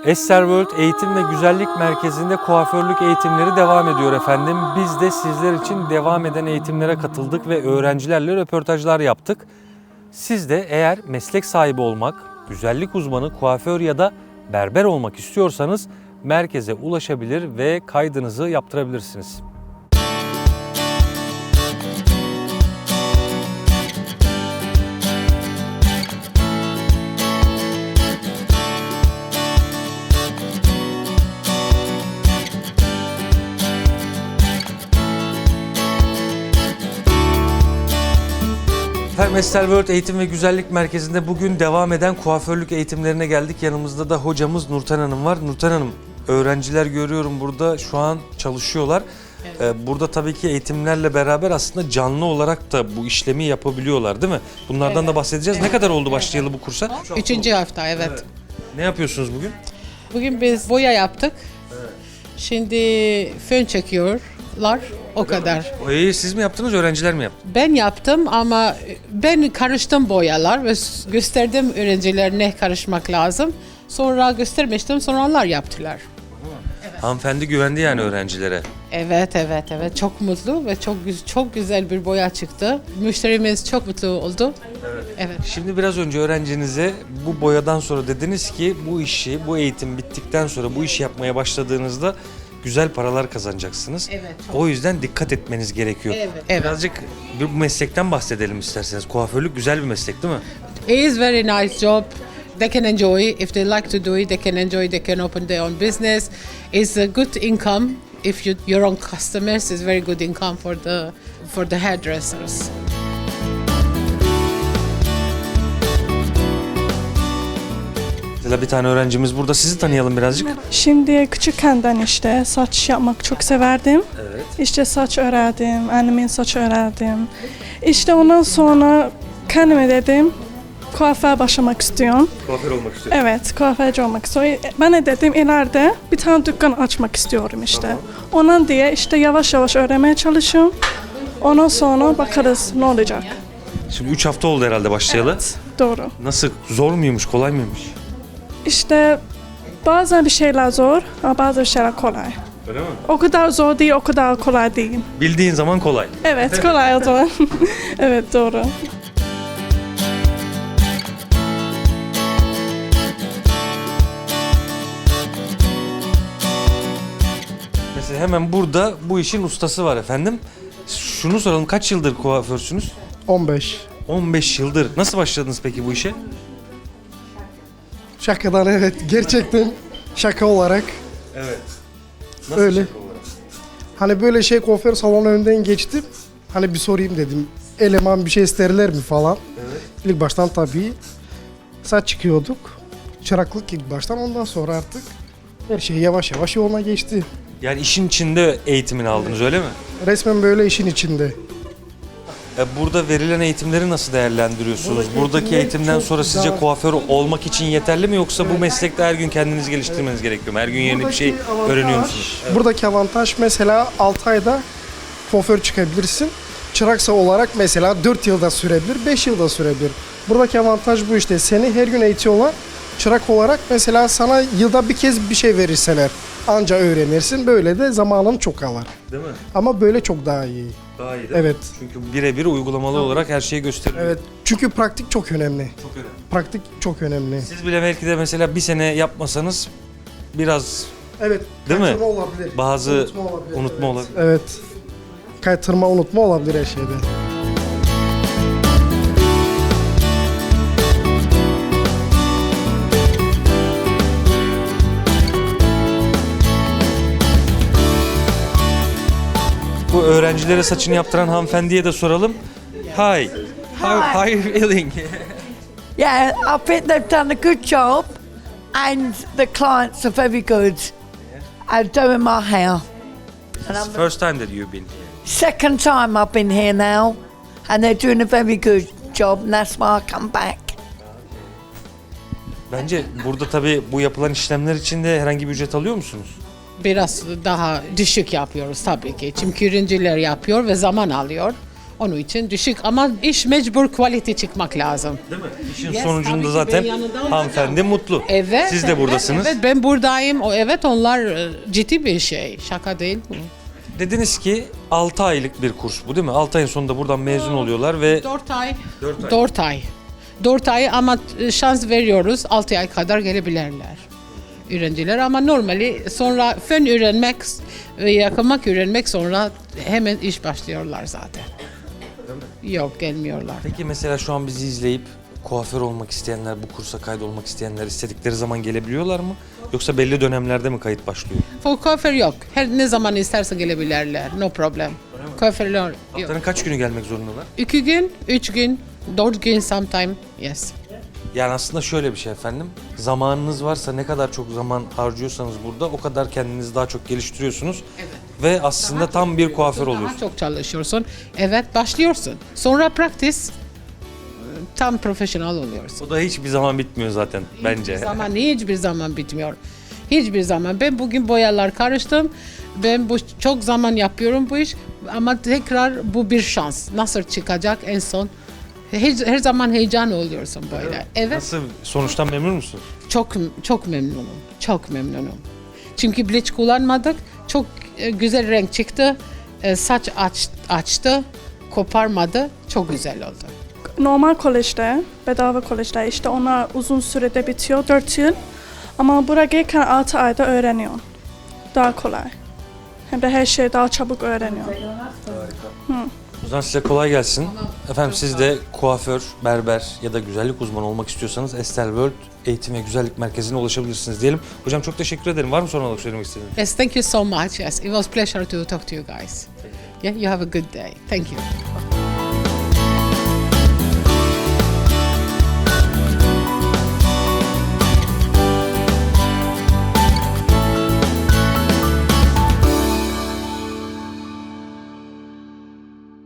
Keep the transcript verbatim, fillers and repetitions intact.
Ester World Eğitim ve Güzellik Merkezi'nde kuaförlük eğitimleri devam ediyor efendim. Biz de sizler için devam eden eğitimlere katıldık ve öğrencilerle röportajlar yaptık. Siz de eğer meslek sahibi olmak, güzellik uzmanı, kuaför ya da berber olmak istiyorsanız merkeze ulaşabilir ve kaydınızı yaptırabilirsiniz. Efendim Ester World Eğitim ve Güzellik Merkezi'nde bugün devam eden kuaförlük eğitimlerine geldik. Yanımızda da hocamız Nurten Hanım var. Nurten Hanım, öğrenciler görüyorum burada şu an çalışıyorlar. Evet. Ee, burada tabii ki eğitimlerle beraber aslında canlı olarak da bu işlemi yapabiliyorlar değil mi? Bunlardan evet. da bahsedeceğiz. Evet. Ne kadar oldu başlayalı bu kursa? Üçüncü hafta evet. evet. Ne yapıyorsunuz bugün? Bugün biz boya yaptık. Evet. Şimdi fön çekiyorlar. O Öyle kadar. Mi? Boyayı siz mi yaptınız, öğrenciler mi yaptı? Ben yaptım ama ben karıştım boyalar ve gösterdim öğrenciler ne karışmak lazım. Sonra göstermiştim, sonra onlar yaptılar. Evet. Hanımefendi güvendi yani öğrencilere. Evet, evet, evet. Çok mutlu ve çok çok güzel bir boya çıktı. Müşterimiz çok mutlu oldu. Evet. Evet. Şimdi biraz önce öğrencinize bu boyadan sonra dediniz ki bu işi, bu eğitim bittikten sonra bu işi yapmaya başladığınızda güzel paralar kazanacaksınız. Evet, o yüzden dikkat etmeniz gerekiyor. Evet, evet. Birazcık bu meslekten bahsedelim isterseniz. Kuaförlük güzel bir meslek değil mi? It is very nice job. They can enjoy. If they like to do it, they can enjoy. They can open their own business. It's a good income. If you your own customers, it's very good income for the for the hairdressers. Mesela bir tane öğrencimiz burada. Sizi tanıyalım birazcık. Şimdi küçükkenden işte saç yapmak çok severdim. Evet. İşte saç öğrendim, annemin saç öğrendim. İşte ondan sonra kendime dedim kuaför başlamak istiyorum. Kuaför olmak istiyorum. Evet, kuaförcü olmak istiyorum. Ben de dedim ileride bir tane dükkan açmak istiyorum işte. Tamam. Ondan diye işte yavaş yavaş öğrenmeye çalışıyorum. Ondan sonra bakarız ne olacak. Şimdi üç hafta oldu herhalde başlayalı. Evet, doğru. Nasıl? Zor muymuş, kolay mıymış? İşte bazen bir şeyler zor ama bazı şeyler kolay. Öyle mi? O kadar zor değil, o kadar kolay değil. Bildiğin zaman kolay. Evet, kolay o zaman. Evet, doğru. Mesela hemen burada bu işin ustası var efendim. Şunu soralım, kaç yıldır kuaförsünüz? on beş. on beş yıldır. Nasıl başladınız peki bu işe? Şakadan evet. Gerçekten şaka olarak. Evet. Nasıl Öyle. şaka olarak? Hani böyle şey kuaför salonu önünden geçtim. Hani bir sorayım dedim. Eleman bir şey isterler mi falan. Evet. İlk baştan tabii saç çıkıyorduk. Çıraklık ilk baştan, ondan sonra artık her şey yavaş yavaş yoluna geçti. Yani işin içinde eğitimini aldınız öyle mi? Resmen böyle işin içinde. E, Burada verilen eğitimleri nasıl değerlendiriyorsunuz? Buradaki Buradaki eğitimler eğitimden çok sonra sizce daha- kuaför olmak için yeterli mi, yoksa bu meslekte her gün kendinizi geliştirmeniz gerekiyor mu? Her gün yeni bir şey öğreniyor musunuz? Buradaki avantaj mesela altı ayda kuaför çıkabilirsin. Çıraksa olarak mesela dört yılda sürebilir, beş yılda sürebilir. Buradaki avantaj bu işte. Seni her gün eğitiyorlar. Çırak olarak mesela sana yılda bir kez bir şey verirseler anca öğrenirsin. Böyle de zamanın çok alır. Değil mi? Ama böyle çok daha iyi. Daha iyi değil Evet. mi? Çünkü birebir uygulamalı olarak her şeyi gösteriyor. Evet. Çünkü praktik çok önemli. Çok önemli. Praktik çok önemli. Siz bile belki de mesela bir sene yapmasanız biraz Evet. Değil mi? kaytırma olabilir. bazı Unutma olabilir. unutma evet. olabilir. Evet. Kaytırma, unutma olabilir her şeyde. Bu öğrencilere saçını yaptıran hanımefendiye de soralım. Hi. How, how are you feeling? Yeah, I think they've done a good job, and the clients are very good at doing my hair. And It's I'm the first time that you've been here. second time I've been here now, and they're doing a very good job, and that's why I come back. Bence burada tabii bu yapılan işlemler için de herhangi bir ücret alıyor musunuz? Biraz daha düşük yapıyoruz tabii ki. Çünkü öğrenciler yapıyor ve zaman alıyor. Onun için düşük ama iş mecbur quality çıkmak lazım. Değil mi? İşin Yes, sonucunda tabii ki zaten ben yanında olacağım. hanımefendi mutlu. Evet. Siz de evet, buradasınız. Evet ben buradayım. O evet onlar e, ciddi bir şey. Şaka değil bu. Dediniz ki altı aylık bir kurs bu değil mi? altı ayın sonunda buradan mezun oluyorlar ve Dört ay. Dört ay. Dört ay. Dört ay ama e, şans veriyoruz. Altı ay kadar gelebilirler. Öğrenciler ama normali sonra fen öğrenmek ve yakınmak öğrenmek sonra hemen iş başlıyorlar zaten. Yok gelmiyorlar. peki mesela şu an bizi izleyip kuaför olmak isteyenler, bu kursa kaydolmak isteyenler istedikleri zaman gelebiliyorlar mı? Yoksa belli dönemlerde mi kayıt başlıyor? For kuaför yok. Her ne zaman isterse gelebilirler. No problem. Kuaförler yok. Haftanın kaç günü gelmek zorundalar? İki gün, üç gün, dört gün sometime. Yes. Yani aslında şöyle bir şey efendim. Zamanınız varsa ne kadar çok zaman harcıyorsanız burada o kadar kendinizi daha çok geliştiriyorsunuz. Ve aslında tam bir kuaför oluyorsunuz. Daha çok çalışıyorsun. Evet başlıyorsun. Sonra practice tam profesyonel oluyorsun. O da hiçbir zaman bitmiyor zaten bence. Hiçbir zaman, hiçbir zaman bitmiyor. Hiçbir zaman. Ben bugün boyalar karıştım. Ben bu çok zaman yapıyorum bu iş. Ama tekrar bu bir şans. Nasıl çıkacak en son? Her, her zaman heyecan oluyorsun böyle. Evet. Nasıl, sonuçtan memnun musun? Çok çok memnunum. Çok memnunum. Çünkü bleach kullanmadık. Çok e, güzel renk çıktı. E, saç aç, açtı. Koparmadı. Çok güzel oldu. Normal kolejde, bedava kolejde işte onlar uzun sürede bitiyor, dört yıl. Ama buraya gelirken altı ayda öğreniyorsun. Daha kolay. Hem de her şeyi daha çabuk öğreniyorsun. O zaman size kolay gelsin. Efendim siz de kuaför, berber ya da güzellik uzmanı olmak istiyorsanız Estel World Eğitim ve Güzellik Merkezi'ne ulaşabilirsiniz diyelim. Hocam çok teşekkür ederim. Var mı son olarak söylemek istediğiniz? Yes, thank you so much. Yes, it was pleasure to talk to you guys. Yeah, you have a good day. Thank you.